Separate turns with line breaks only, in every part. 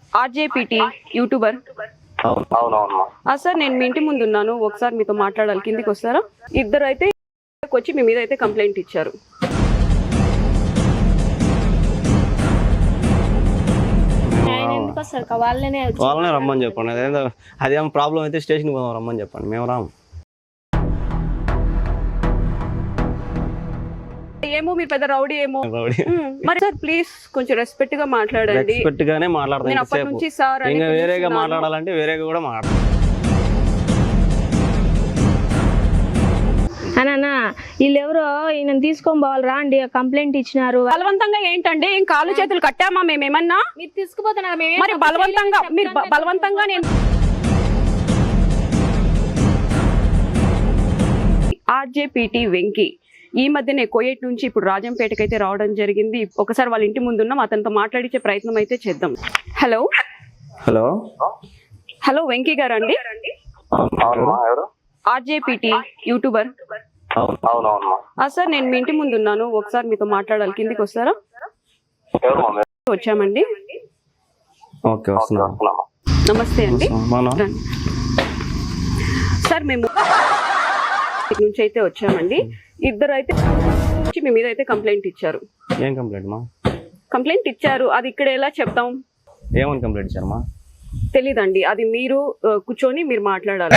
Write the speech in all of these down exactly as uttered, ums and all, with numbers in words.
RJPT YouTuber. ఆ sir నేను మీ ఇంటి ముందు ఉన్నాను, ఒకసారి మీతో మాట్లాడాలి, కిందికి వస్తారా? ఇద్దరు అయితే వచ్చి మీ మీద అయితే కంప్లైంట్ ఇచ్చారు.
వాళ్ళనే వాళ్ళనే రమ్మని చెప్పండి. అదేదో అదేమో ప్రాబ్లం అయితే స్టేషన్కి పోదాం రమ్మని చెప్పండి, మేము రాము.
ఏమో మీరు పెద్ద రౌడీ ఏమో. మరి సార్ ప్లీజ్ కొంచెం రెస్పెక్ట్ గా మాట్లాడండి.
రెస్పెక్ట్ గానే మాట్లాడతాను.
అప్పటి నుంచి సార్
ఇంకా వేరేగా మాట్లాడాలంటే వేరేగా కూడా మాట్లాడాలి.
అన్నా వీళ్ళెవరో ఈయన తీసుకొని పోవాలి రా అండి, కంప్లైంట్ ఇచ్చినారు.
బలవంతంగా ఏంటండి? ఏం కాళ్ళు చేతులు కట్టామా మేమేమన్నా?
మీరు తీసుకుపోతున్నారు
మరి బలవంతంగా మీరు బలవంతంగా నేను ఆర్జేపీటీ వెంకీ ఈ మధ్యనే కోయేట్ నుంచి ఇప్పుడు రాజంపేటకి అయితే రావడం జరిగింది. ఒకసారి వాళ్ళ ఇంటి ముందు ఉన్నాం, అతనితో మాట్లాడించే ప్రయత్నం అయితే చేద్దాం. హలో
హలో
హలో వెంకీ గారు అండి? RJPT YouTuber. సార్ నేను మీ ఇంటి ముందు ఉన్నాను, ఒకసారి మీతో మాట్లాడాలి, కిందికి వస్తారా? వచ్చామండి. నమస్తే అండి సార్, మేము నుంచి అయితే వచ్చామండి. ఇద్దరు అయితే మీ మీద అయితే కంప్లైంట్ ఇచ్చారు.
ఏం కంప్లైంట్ మా?
కంప్లైంట్ ఇచ్చారు, అది ఇక్కడ ఎలా చెప్తాం?
ఏమని కంప్లైంట్ ఇచ్చారు మా?
తెలీదండి, అది మీరు కూర్చొని మీరు మాట్లాడాలి.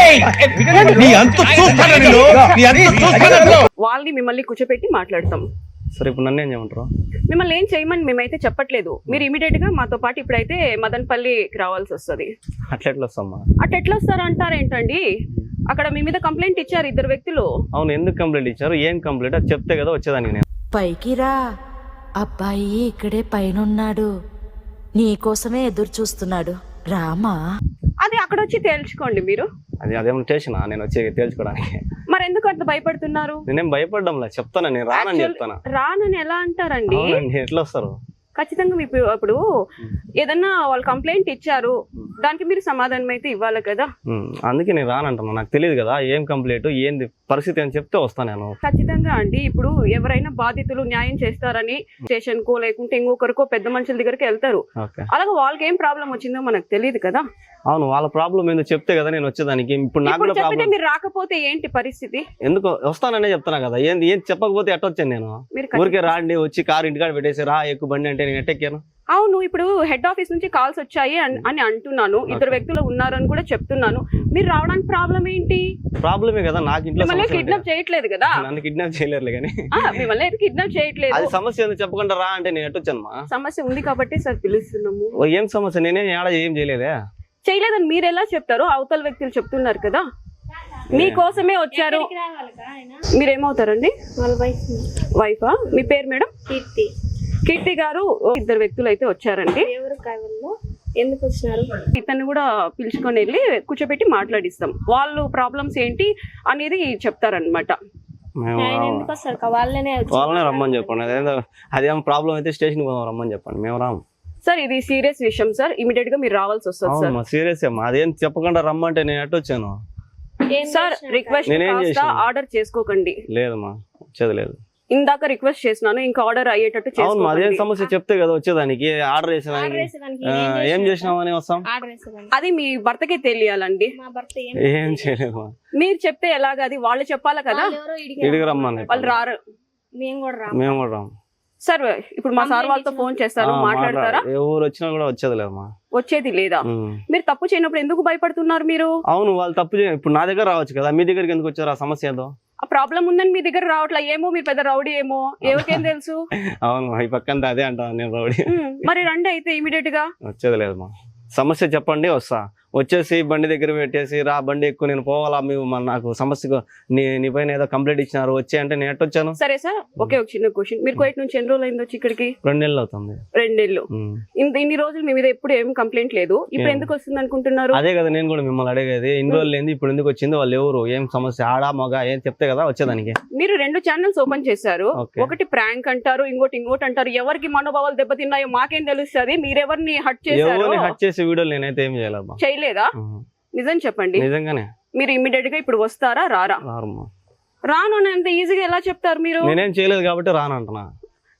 వాళ్ళని మిమ్మల్ని కూర్చోపెట్టి మాట్లాడతాం.
సరే ఇప్పుడు నన్ను ఏం చేయమంటారు?
మిమ్మల్ని ఏం చేయమని మేమైతే చెప్పట్లేదు. మీరు ఇమీడియట్ గా మాతో పాటు ఇప్పుడైతే మదనపల్లికి రావాల్సి వస్తుంది.
అట్లా ఎట్లా వస్తామా?
అట్లా ఎట్లా వస్తారా అంటారేంటండి? అక్కడ మీ మీద కంప్లైంట్ ఇచ్చారు ఇద్దరు వ్యక్తులు.
అవును, ఎందుకు కంప్లైంట్ ఇచ్చారు, ఏం కంప్లైంట్ అది చెప్తే కదా వచ్చేదానికి. నేను
పైకి రా, అబ్బాయి ఇక్కడే పైన ఉన్నాడు, నీ కోసమే ఎదురు చూస్తున్నాడు, రామా.
అది అక్కడ వచ్చి తేల్చుకోండి మీరు.
అది అదేమో స్టేషనా నేను వచ్చి తేల్చుకోవడానికి?
మరి ఎందుకు అంత భయపడుతున్నారు?
నేనేం భయపడ్డంలా, చెప్తాను నేను రానని చెప్తాను.
రానని ఎలా అంటారండి?
ఎట్లా వస్తారు?
ఖచ్చితంగా మీకు ఇప్పుడు ఏదన్నా వాళ్ళు కంప్లైంట్ ఇచ్చారు, దానికి మీరు సమాధానం అయితే ఇవ్వాలి కదా.
అందుకే నేను రానంటున్నా, నాకు తెలియదు కదా ఏం కంప్లైంట్ ఏంది పరిస్థితి అని చెప్తే వస్తాను నేను.
ఖచ్చితంగా అండి, ఇప్పుడు ఎవరైనా బాధితులు న్యాయం చేస్తారని స్టేషన్ కో లేకుంటే ఇంకొకరికో పెద్ద మనుషుల దగ్గరికి వెళ్తారు. అలాగే వాళ్ళకి ఏం ప్రాబ్లం వచ్చిందో మనకు తెలియదు కదా.
అవును, వాళ్ళ ప్రాబ్లం ఏందో చెప్తే కదా నేను వచ్చేదానికి. ఇప్పుడు నాకు కూడా ప్రాబ్లం.
మీరు రాకపోతే ఏంటి పరిస్థితి?
ఎందుకు వస్తాననే చెప్తున్నా కదా, ఏంది ఏం చెప్పకపోతే ఎట్ట వచ్చాను నేను? ఊరికే రాండి, వచ్చి కారు ఇంటికాడ పెట్టేసి రా ఎక్కువ బండి అంటే నేను ఎట్టెక్కాను.
అవును, ఇప్పుడు హెడ్ ఆఫీస్ నుంచి కాల్స్ వచ్చాయి అని అంటున్నాను, ఇద్దరు వ్యక్తులు ఉన్నారని కూడా చెప్తున్నాను. మీరు రావడానికి ప్రాబ్లం ఏంటి?
ప్రాబ్లమే కదా, నాకు ఇంట్లో
కిడ్నాప్ చేయట్లేదు కదా.
నన్ను కిడ్నాప్ చేయలేరు కానీ
మిమ్మల్ని అయితే కిడ్నాప్ చేయట్లేదు.
అది సమస్య ఏందో చెప్పకుండా రా అంటే నేను ఎట్టొచ్చాను.
సమస్య ఉంది కాబట్టి సార్ పిలుస్తున్నాము.
ఏం సమస్య? నేనేం ఏడా ఏం చేయలేదే.
చేయలేదని మీరు ఎలా చెప్తారు? అవతల వ్యక్తులు చెప్తున్నారు కదా మీకోసమే వచ్చారు. మీరేమవుతారండి? వైఫా? మీ పేరు మేడం?
కీర్తి.
కీర్తి గారు, ఇద్దరు వ్యక్తులు అయితే వచ్చారండి.
ఎందుకు వచ్చినారు?
ఇతన్ని కూడా పిలుచుకొని వెళ్ళి కూర్చోబెట్టి మాట్లాడిస్తాం. వాళ్ళు ప్రాబ్లమ్స్ ఏంటి అనేది చెప్తారనమాట.
వాళ్ళనే
వాళ్ళనే రమ్మని చెప్పండి. అదేదో అదేమో ప్రాబ్లం అయితే స్టేషన్కి పోదాం రమ్మని చెప్పండి, మేము రాము.
సార్ ఇది సీరియస్ విషయం సార్, ఇమీడియట్ గా మీరు రావాల్సి వస్తుంది సార్.
సీరియస్ అమ్మా, అదేం చెప్పకుండా రమ్మంటే నేను ఎట్ట వచ్చాను
సార్? రిక్వెస్ట్ ఆర్డర్ చేసుకోకండి.
లేదమ్మా, వచ్చేది లేదు.
ఇందాక రిక్వెస్ట్ చేసినాను, ఇంకా ఆర్డర్ అయ్యేటట్టు చేసుకోండి.
అదేం సమస్య చెప్తే కదా వచ్చేదానికి. ఆర్డర్ చేసేదానికి ఏం చేసినామని వస్తాం?
అది మీ భర్తకే తెలియాలండి.
ఏం చేయలేదు.
మీరు చెప్తే ఎలాగ? అది వాళ్ళు చెప్పాలి కదా.
ఇడికి రమ్మని
వాళ్ళు రారు,
మేము కూడా
మేము కూడా రాము
సార్. ఇప్పుడు మా సార్ వాళ్ళతో ఫోన్ చేస్తాను, మాట్లాడతారా?
ఎవరు వచ్చినా కూడా వచ్చేది లేదమ్మా.
వచ్చేది లేదా? మీరు తప్పు చేయనప్పుడు ఎందుకు భయపడుతున్నారు మీరు?
అవును, వాళ్ళు తప్పు చేయ ఇప్పుడు నా దగ్గర రావచ్చు కదా, మీ దగ్గరికి ఎందుకు వచ్చారు? ఆ సమస్య ఏదో
ఆ ప్రాబ్లం ఉందని మీ దగ్గర రావట్లా. ఏమో మీరు పెద్ద రౌడీ ఏమో, ఎవరికేం తెలుసు.
అవును, ఈ పక్కంతా అదే అంటాను నేను, రౌడీ.
మరి రండి అయితే ఇమీడియట్ గా.
వచ్చేది లేదమ్మా, సమస్య చెప్పండి వస్తా. వచ్చేసి బండి దగ్గర పెట్టేసి రా బండి ఎక్కువ నేను పోవాలా, మేము నాకు సమస్యకు నీ నీ పైన ఏదో కంప్లైంట్ ఇచ్చినారు వచ్చి అంటే నేను ఎట్టొచ్చాను.
సరే సార్, ఒకే ఒక చిన్న క్వశ్చన్, మీరు కోయిట్ నుంచి ఎన్ని రోజులు అయింది వచ్చి ఇక్కడికి?
రెండు నెలలు అవుతుంది.
రెండేళ్ళు. ఇన్ని రోజులు మీ మీద ఎప్పుడు ఏం కంప్లైంట్ లేదు, ఇప్పుడు ఎందుకు వస్తుంది అనుకుంటున్నారు?
అదే కదా నేను కూడా మిమ్మల్ని అడిగేది, ఇన్ని రోజులు ఏంది ఇప్పుడు ఎందుకు వచ్చింది, వాళ్ళు ఎవరు, ఏం సమస్య, ఆడా మగ ఏం చెప్తే కదా వచ్చేదానికి.
మీరు రెండు ఛానల్స్ ఓపెన్ చేశారు, ఒకటి ప్రాంక్ అంటారు, ఇంకోటి ఇంకోటి అంటారు. ఎవరికి మనోభావాలు దెబ్బతిన్నాయో మాకేం తెలుస్తుంది? మీరెవరిని హట్ చేశారు?
హట్ చేసే వీడియోలు నేనైతే ఏం చేయలేదు.
చేయలేదా? నిజం చెప్పండి.
నిజంగానే.
మీరు ఇమీడియట్ గా ఇప్పుడు వస్తారా రారా? రాను అని అంత ఈజీగా ఎలా చెప్తారు మీరు?
నేనేం చేయలేదు కాబట్టి రాను అంటున్నా.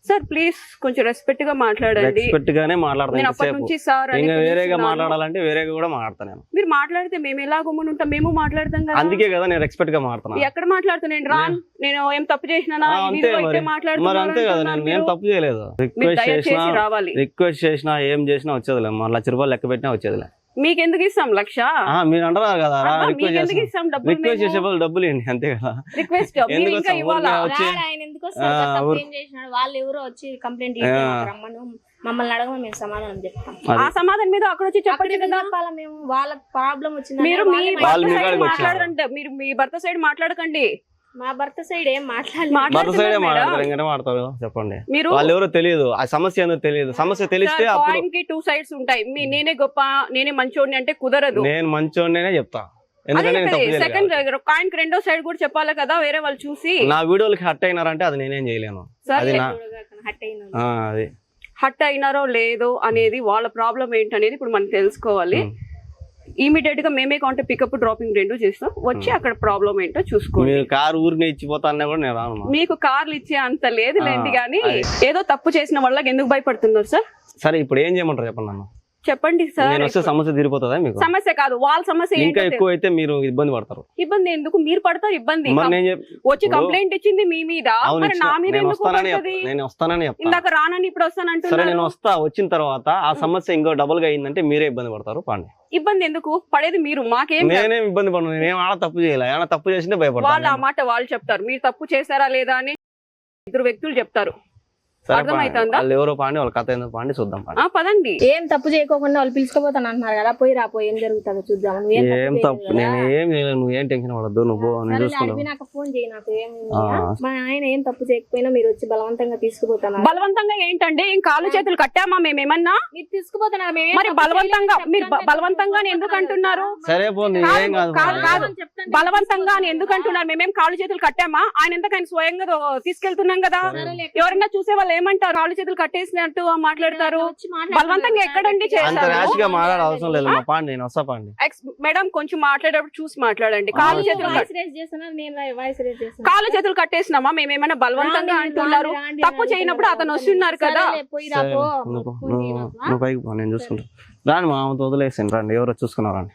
సార్ ప్లీజ్ కొంచెం రెస్పెక్ట్ గా మాట్లాడండి.
రెస్పెక్ట్ గానే
నేను
మాట్లాడతాను
అప్పటి నుంచి సార్ అని
ఇంకా వేరేగా
పిలుస్తున్నాను.
మాట్లాడాలంటే వేరేగా కూడా మాట్లాడతాను నేను.
మీరు మాట్లాడితే మేము ఎలా గుమ్మని ఉంటాం, మేము మాట్లాడతాం కదా.
అందుకే కదా నేను రెస్పెక్ట్ గా మాట్లాడుతున్నా.
ఎక్కడ మాట్లాడుతున్నాను రా, నేను ఏం తప్పు చేసినా
ఆ, అంతే మరి మరి అంతే కదా, నేను ఏం తప్పు చేయలేదు. రిక్వెస్ట్ చేసినా
రావాలి.
రిక్వెస్ట్ చేసినా ఏం చేసినా వచ్చేదిలే, మన లక్ష రూపాయలు లెక్క పెట్టినా వచ్చేదిలే.
మీకు ఎందుకు ఇస్తాం లక్ష?
ఆ, మీరు అంటారు కదా
అబ్బా, మీకు ఎందుకు ఇస్తాం డబ్బులు?
రిక్వెస్ట్ చేసే వాళ్ళు డబ్బులు ఇవ్వండి అంతే కదా.
రిక్వెస్ట్ మీరు
ఎందుకు
ఇంకా
వస్తాం?
ఇవ్వాలా?
ఊరికే వచ్చి
రాడు ఆయన ఎందుకు వస్తారు సార్? తప్పు ఏం చేసినాడు? వాళ్ళు ఎవరో వచ్చి కంప్లైంట్ రమ్మను, మమ్మల్ని అడగమని మేము సమాధానం చెప్తాం.
ఆ సమాధానం మీద అక్కడ వచ్చి చెప్పండి కదా.
చెప్పాలా మేము? వాళ్ళ ప్రాబ్లం వచ్చింది
మీరు మీ
వాళ్ళు
భర్త
మీ
సైడ్
కాడికి
మాట్లాడరంటే మీరు మీ భర్త సైడ్ మాట్లాడకండి.
మా భర్త సైడ్ ఏం మాట్లాడలేదు.
భర్త సైడే
మాట్లాడుతున్నారు
మాట్లాడతారు,
మేడం.
ఇంకనే మాట్లాడతారు. చెప్పండి,
మీరు
వాళ్ళు ఎవరో తెలియదు, ఆ సమస్య ఏందో తెలియదు. సమస్య తెలిస్తే అప్పుడు
కాయిన్ కి టూ సైడ్స్ ఉంటాయి. మీ నేనే గొప్ప నేనే మంచోడిని అంటే కుదరదు.
నేను మంచోడినే చెప్తా, ఎందుకంటే నేను తప్పు చేయలేదు
సెకండ్
కాబట్టి.
కాయిన్ కి రెండో సైడ్ కూడా చెప్పాలి కదా, వేరే వాళ్ళు చూసి.
నా వీడియోలకి హట్ అయినారంటే అది నేనేం చేయలేను. అది నా
హట్ అయిన
ఆ, అది
హట్ అయినారో లేదో అనేది వాళ్ళ ప్రాబ్లం ఏంటనేది ఇప్పుడు మనం తెలుసుకోవాలి. ఇమీడియట్ గా మేమే కాంటే పికప్ డ్రాపింగ్ రెండు చేస్తాం, వచ్చి అక్కడ ప్రాబ్లం ఏంటో చూసుకోండి.
మీరు కారు ఊరికి ఇచ్చిపోతా అన్నా కూడా నేను రాను.
మీకు కార్లు ఇచ్చే అంత లేదులేండి,
ఆ,
కానీ
అది.
ఏదో తప్పు చేసిన వాళ్ళకి ఎందుకు భయపడుతున్నారు సార్?
సరే ఇప్పుడు ఏం చేయమంటారు చెప్పండి నన్ను.
చెప్పండి సార్.
నేను వస్తే సమస్య తీరిపోతుందా మీకు?
సమస్య కాదు, వాళ్ళ సమస్య
ఇంకా
ఏంటో
ఎక్కువ అయితే మీరు ఇబ్బంది పడతారు.
ఇబ్బంది ఎందుకు? మీరు పడతారు ఇబ్బంది.
మరి నేను చెప్-
వచ్చి
ఇప్పుడు-
కంప్లైంట్ ఇచ్చింది మీ మీద,
అవును,
మరి నా మీద
నేను
ఎందుకు
వస్తానని చెప్-
పడుతుంది?
నేను వస్తానని చెప్తా.
ఇందాక రానని ఇప్పుడు
సరే
వస్తానంటున్నారు.
నేను వస్తా, వచ్చిన తర్వాత ఆ సమస్య ఇంకో డబుల్ గా అయిందంటే మీరే ఇబ్బంది పడతారు. పాండి,
ఇబ్బంది ఎందుకు పడేది మీరు, మాకేం కాదు.
నేనేం ఇబ్బంది పడను, నేనేం ఆడ తప్పు చేయలే. ఏమైనా తప్పు చేసింటే
వాళ్ళు ఆ
భయపడతాను.
మాట వాళ్ళు చెప్తారు, మీరు తప్పు చేశారా లేదా అని ఇద్దరు వ్యక్తులు చెప్తారు.
సరే
అర్థమవుతుందా?
వాళ్ళు ఎవరో పాండి, వాళ్ళ కథ ఏందో పాండి, చూద్దాం పాండి.
ఆ పదండి.
ఏం తప్పు చేయకోకుండా వాళ్ళు పిలుచుకోపోతాను అంటున్నారు కదా, పోయి రాపోయి ఏం జరుగుతుందో చూద్దాం. నువ్వేం తప్పు
ఏం తప్పు
చేయలేదు
నేను
కదా.
ఏం చేయలేను, నువ్వు ఏం టెన్షన్ పడద్దు, నువ్వు నేను
సరేలే,
చూసుకున్నావు.
అడిగి నాకు ఫోన్ చేయి, నాకు ఏం
ఆ.
మా ఆయన ఏం తప్పు చేయకపోయినా మీరు వచ్చి బలవంతంగా తీసుకుపోతున్నారు.
బలవంతంగా ఏంటండి? ఏం కాళ్ళు చేతులు కట్టామా మేమేమన్నా?
మీరు తీసుకుపోతున్నారు, మేమేం
మరి
తప్పు
బలవంతంగా
చేయలేదు
మీరు బ-
చెప్తాను
బలవంతంగా అని ఎందుకు అంటున్నారు?
సరే పో, నీ ఏం కాదు
కాదు,
పాండి.
కాదు.
చెప్తాను.
బలవంతంగా అని ఎందుకు అంటున్నారు? మేమేం కాళ్ళు చేతులు కట్టామా? ఆయన ఎందుకు ఆయన స్వయంగా దో- తీసుకెళ్తున్నాం కదా. ఎవరైనా చూసే వాళ్ళు ఏమంటారు? కాళ్ళు చేతులు కట్టేసినట్టు మాట్లాడతారు.
వచ్చి మాట్లాడతాను.
బలవంతంగా ఎక్కడండి
అంత
చేశారు?
ర్యాష్ గా మాట్లాడే అవసరం లేదు మా పాండి, నేను వస్తా పాండి.
ఎక్స్ మేడం కొంచెం మాట్లాడేటప్పుడు చూసి మాట్లాడండి. కాళ్ళు
ఆ,
చేతులు కట్-
వాయిస్ రేస్ చేస్తున్నారు, నేను వాయిస్ రేస్ చేస్తున్నాను.
కాళ్ళు చేతులు కట్టేసినామా? మేమేమైనా బలవంతంగా
రాండి,
అంటున్నారు?
రాండి, రాండి,
తప్పు
రాండి,
చేయనప్పుడు అతను
రాండి.
వస్తున్నారు కదా.
సరేలే, పోయి
సరే,
రాపో.
నువ్వు
ఫోన్ చేయి
నువ్వు-
నాకు, ఆ?
నువ్వు పైకి పో, నేను చూసుకుంటా. రాండి మా ఆమెతో వదిలేసాను, రండి, ఎవరో చూసుకున్నారండి.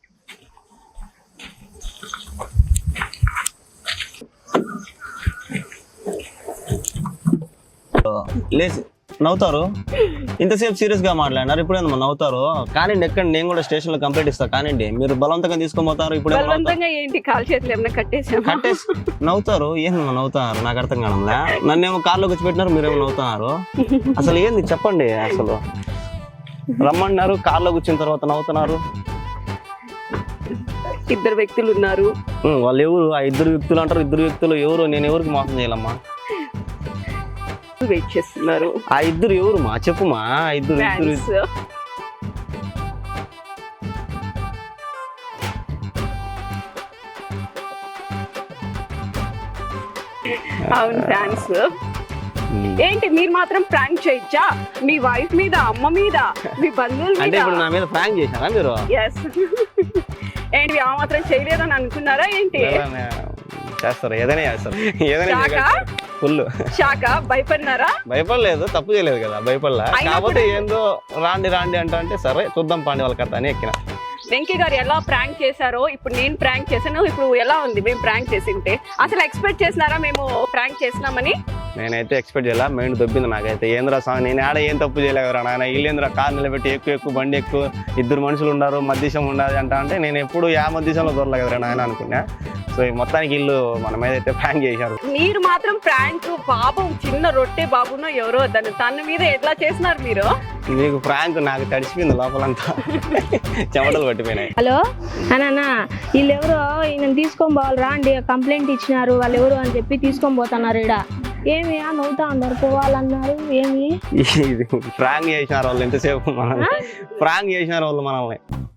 లేచి నవ్వుతారు, ఇంతసేపు సీరియస్ గా మాట్లాడినారు, ఇప్పుడు ఏందమ్మా నవ్వుతారు? కానీ ఎక్కడ నేను కూడా స్టేషన్ లో కంప్లైంట్ ఇస్తా, కానివ్వండి. మీరు బలవంతంగా తీసుకొని పోతారు, ఇప్పుడు ఏమో నవ్వుతారు.
బలవంతంగా ఏంటి? కాళ్ళు చేతులు ఏమైనా కట్టేసామా?
కట్టేసి నవ్వుతారు, ఏందమ్మా నవ్వుతున్నారు? నాకు అర్థం కావడంలే. నన్నేమో కార్లోకి వచ్చి పెట్టినారు, మీరేమో నవ్వుతున్నారు. అసలు ఏంది చెప్పండి. అసలు రమ్మన్నారు, కార్లో కూర్చున్న తర్వాత నవ్వుతున్నారు.
ఇద్దరు వ్యక్తులు ఉన్నారు.
ఉం, వాళ్ళు ఎవరు? ఆ ఇద్దరు వ్యక్తులు అంటారు. ఇద్దరు వ్యక్తులు ఎవరు? నేను ఎవరికి మోసం చేయాలమ్మా?
వెయిట్ చేస్తున్నారు.
ఆ ఇద్దరు ఎవరు మా చెప్పుమా? ఆ ఇద్దరు ఇద్దరు
ఫ్యాన్స్. అవును ఫ్యాన్స్. ఏంటి మీరు మాత్రం ప్రాంక్ చేయొచ్చా? మీ వైఫ్ మీద, అమ్మ మీద, మీ బంధువుల
అంటే
మీద?
ఇప్పుడు నా మీద ప్రాంక్ చేశారా మీరు?
ఎస్. ఏంటి ఆ మాత్రం చేయలేదని అనుకున్నారా ఏంటి?
ఏదైనా చేస్తారు, ఏదైనా చేస్తారు, ఏదైనా
షాకా?
ఫుల్
షాక భయపడినారా?
భయపడలేదు, తప్పు చేయలేదు కదా, భయపడలే.
అయినా
కాకపోతే ఏందో రాండి రాండి అంట అంటే సరే చూద్దాం పాండి వాళ్ళ కథ అని ఎక్కిన.
వెంకీ గారు ఎలా ప్రాంక్ చేశారో ఇప్పుడు నేను ప్రాంక్ చేశాను. ఇప్పుడు ఎలా ఉంది మేము ప్రాంక్ చేసింటే? అసలు ఎక్స్పెక్ట్ చేసినారా మేము ప్రాంక్ చేసినామని?
నేనైతే ఎక్స్పెక్ట్ చేయాల, మైండ్ దొబ్బింది నాకైతే. ఏంద్రా సాంగ్, నేను ఆడ ఏం తప్పు చేయలేదురా నాయన, ఇల్లేంద్రా కార్ నిలబెట్టి ఎక్కువ ఎక్కువ బండి ఎక్కువ ఇద్దరు మనుషులు ఉన్నారు, మధ్యశం ఉండదు అంట అంటే నేను ఎప్పుడు యా మధ్యశంలో దొరలేదు కదరా నాయన అనుకున్నా. సో ఈ మొత్తానికి ఇల్లు మన మీద అయితే ప్రాంక్ చేశారు.
మీరు మాత్రం ప్రాంక్ బాబు, చిన్న రొట్టె బాబునో ఎవరో దాన్ని తన మీద ఎట్లా చేసినారు మీరు?
నీకు ప్రాంక్ నాకు తడిచిపోయింది లోపలంతా, చెమటలు పట్టిపోయినాయి.
హలో అన్నా, వీళ్ళు ఎవరో ఈయన తీసుకొని పోవాలి రాండి, కంప్లైంట్ ఇచ్చినారు, వాళ్ళు ఎవరు అని చెప్పి తీసుకొని పోతున్నారు. ఇడ ఏమి నవ్వుతా ఉన్నారు, పోవాలన్నారు. ఏమి
ఇది ప్రాంక్ చేసినారు వాళ్ళు, ఎంతసేపు మనల్ని ప్రాంక్ చేసినారు వాళ్ళు మనల్ని.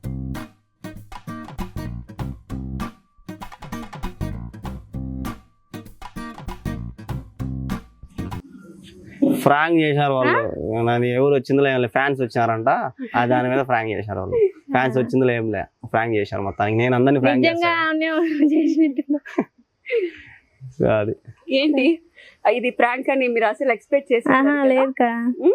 ఫ్రాంక్ చేశారు వాళ్ళు. నన్ను ఎవరు వచ్చిందో ఏం ఫ్యాన్స్ వచ్చినారంట, ఆ దాని మీద ఫ్రాంక్ చేశారు వాళ్ళు. ఫ్యాన్స్ వచ్చిందో ఏం లే, ఫ్రాంక్ చేశారు మొత్తానికి. నేను అందరినీ ఫ్రాంక్
నిజంగా
చేశాను.
చేసినట్టు
అది
ఏంటి ఇది ప్రాంక్ అని మీరు అసలు ఎక్స్పెక్ట్ చేసి
ఆహా లేదు కా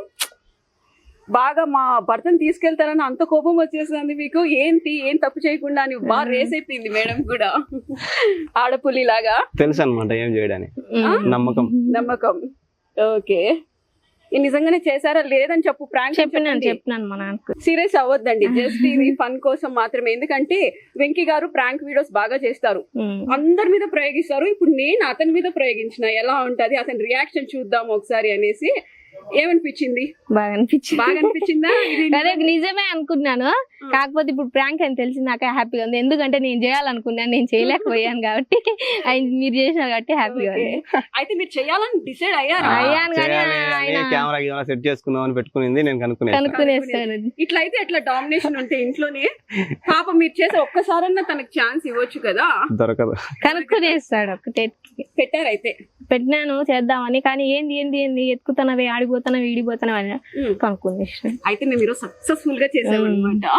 బాగా మా భర్తను తీసుకెళ్తారని అంత కోపం వచ్చేసింది మీకు. ఏంటి ఏం తప్పు చేయకుండా అని బాగా రేస్ అయిపోయింది మేడం కూడా ఆడపులి లాగా.
తెలుసు అనమాట ఏం చేయడానికి నమ్మకం.
నమ్మకం. ఓకే, నిజంగానే చేశారా లేదని చెప్పు. ప్రాంక్
చెప్పినాను చెప్పినాను మా నాన్నకు.
సీరియస్ అవ్వద్దండి, జస్ట్ ఇది ఫన్ కోసం మాత్రమే. ఎందుకంటే వెంకీ గారు ప్రాంక్ వీడియోస్ బాగా చేస్తారు, అందరి మీద ప్రయోగిస్తారు. ఇప్పుడు నేను అతని మీద ప్రయోగించిన ఎలా ఉంటది అతని రియాక్షన్ చూద్దాం ఒకసారి అనేసి. ఏమనిపించింది?
బాగా అనిపించింది.
బాగా అనిపించిందా?
అదే నిజమే అనుకున్నాను, కాకపోతే ఇప్పుడు ప్రాంక్ అని తెలిసి నాకే హ్యాపీగా ఉంది. ఎందుకంటే నేను చేయాలనుకున్నాను, నేను చేయలేకపోయాను కాబట్టి ఆయన మీరు చేసినారు కాబట్టి హ్యాపీగా ఉంది.
అయితే మీరు చేయాలని డిసైడ్ అయ్యారా?
అయ్యాను కానీ ఆయన
కెమెరా గిమెరా సెట్ చేసుకుందాం అని పెట్టుకునింది, నేను కనుక్కునే
కనుక్కునేస్తాను.
ఇట్లా అయితే ఎట్లా డామినేషన్ ఉంటే ఇంట్లోనే పాప మీరు చేసే ఒక్కసారన్నా తనకు ఛాన్స్ ఇవ్వచ్చు కదా.
దొరకదు,
కనుక్కునేస్తాడు. ఒకటే
పెట్టారైతే
పెట్టినాను చేద్దామని, కానీ ఏంది ఏంది ఏంది ఎత్తుకుతున్నవి ఆడిపోతున్నవి ఈడిపోతున్నవి అని కనుక్కునేస్తాను.
అయితే మేము ఈరోజు సక్సెస్ఫుల్ గా చేసామన్నమాట.